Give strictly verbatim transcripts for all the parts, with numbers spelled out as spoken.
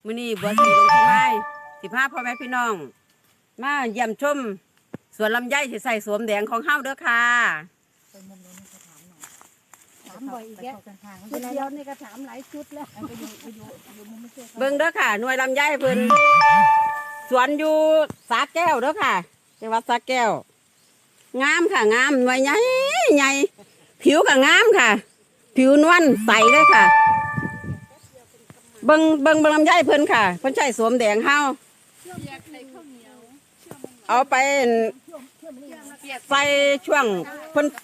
มื้อนี้บัวสีลงที่ไม้สิพาพ่อแม่พี่น้องมาเยี่ยมชมสวนลำไยที่ใส่สวมแดงของเฮาเด้อค่ะถามบ่อยอีกแล้วชุดเดียวนี่ก็ถามหลายชุดแล้วเบิ่งเด้อค่ะหน่วยลำไยเพิ่นสวนอยู่สาแก้วเด้อค่ะจังหวัดสาแก้วงามค่ะงามหน่วยใหญ่ใหญ่ผิวก็งามค่ะ ผิวนวลใสเลยค่ะเบิ่งเบิ่งเบิ่งลำไยเพิ่นค่ะเพิ่นใช้สวมแดงเฮาเอาไปใส่ช่วงเพิ่น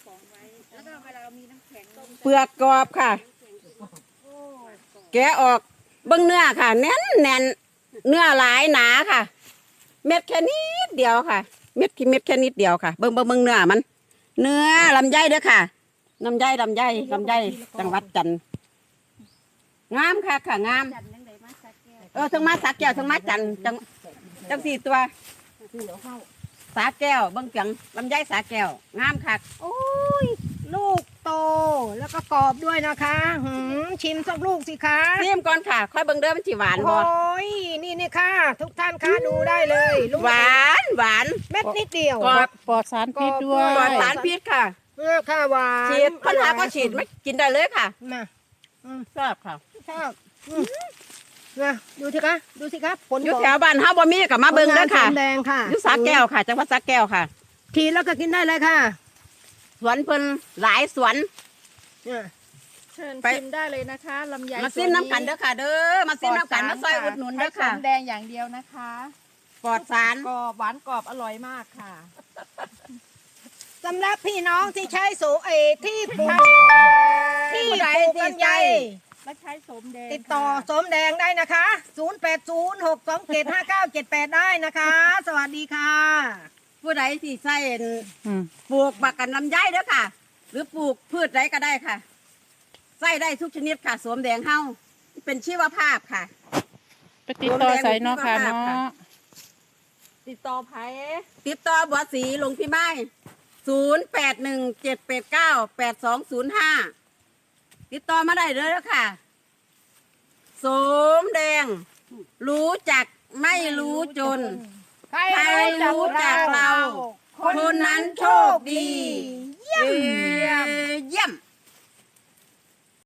เปลือกกรอบค่ะแกะออกเบิ่งเนื้อค่ะแน่นแน่นเนื้อหลายหนาค่ะเม็ดแค่นิดเดียวค่ะเม็ดเม็ดแค่นิดเดียวค่ะเบิ่งเบิ่งเบิ่งเนื้อมันเนื้อลำไยเด้อค่ะลำไยลำไยลำไยจังหวัดจันทร์งามค่ะค่ะงามเออทั้งมาสักแก้วทั้งมาจันทร์จังจังสี่ตัวสาแก้วเบิ่งจังลำไยสาแก้วงามค่ะโอ้ยลูกโตแล้วก็กรอบด้วยนะคะหืมชิมสักลูกสิคะซิมก่อนค่ะค่อยเบิ่งเด้อมันสิหวานบ่โอ้ยนี่นี่ค่ะ ทุกท่านคะดูได้เลยลูกหวานหวานเม็ดนิดเดียวกรอบปลอดสารพิษด้วยปลอดสารพิษค่ะเออค่ะหวานฉีดปัญหาก็ฉีดไม่กินได้เลยค่ะมาชอบค่ะชอบอืมนะดูสิคะดูสิคะผลอยู่แถวบ้านเฮาบ่มีก็มาเบิ่งเด้อค่ะผลงานสวนแดงค่ะอยู่สาแก้วค่ะจังหวัดสาแก้วค่ะทีแล้วก็กินได้เลยค่ะสวนเพิ่นหลายสวนเนี่ยเชิญไปชิมได้เลยนะคะลำไยมาซิมน้ำกันเด้อค่ะ เด้อมาซิมน้ำกันมาซอยอุดหนุนเด้อค่ะใช้สมแดงอย่างเดียวนะคะปลอดสารกรอบหวานกรอบอร่อยมากค่ะสำหรับพี่น้องที่ใช้โสเอที่ปลูกที่ปลูกลำไยและใช้สมแดงติดต่อค่ะสมแดงได้นะคะ ศูนย์ แปด ศูนย์ หก สอง เจ็ด ห้า เก้า เจ็ด แปด ได้นะคะ สวัสดีค่ะผู้ใดที่ใส่อืมปลูกบักกันลำไยเด้อค่ะ หรือปลูกพืชใดก็ได้ค่ะใส่ได้ทุกชนิดค่ะสวมแดงเฮาเป็นชีวภาพค่ะไปติดต่อใส่เนาะค่ะเนาะติดต่อไผติดต่อบัวสีลงพี่ไม้ศูนย์แปดหนึ่งเจ็ดแปดเก้าแปดสองศูนย์ห้าติดต่อมาได้เลยแล้วค่ะสมแดง รู้จักไม่รู้จนใครใครรู้จักเรา คนนั้นโชคดีเยี่ยมเยี่ยม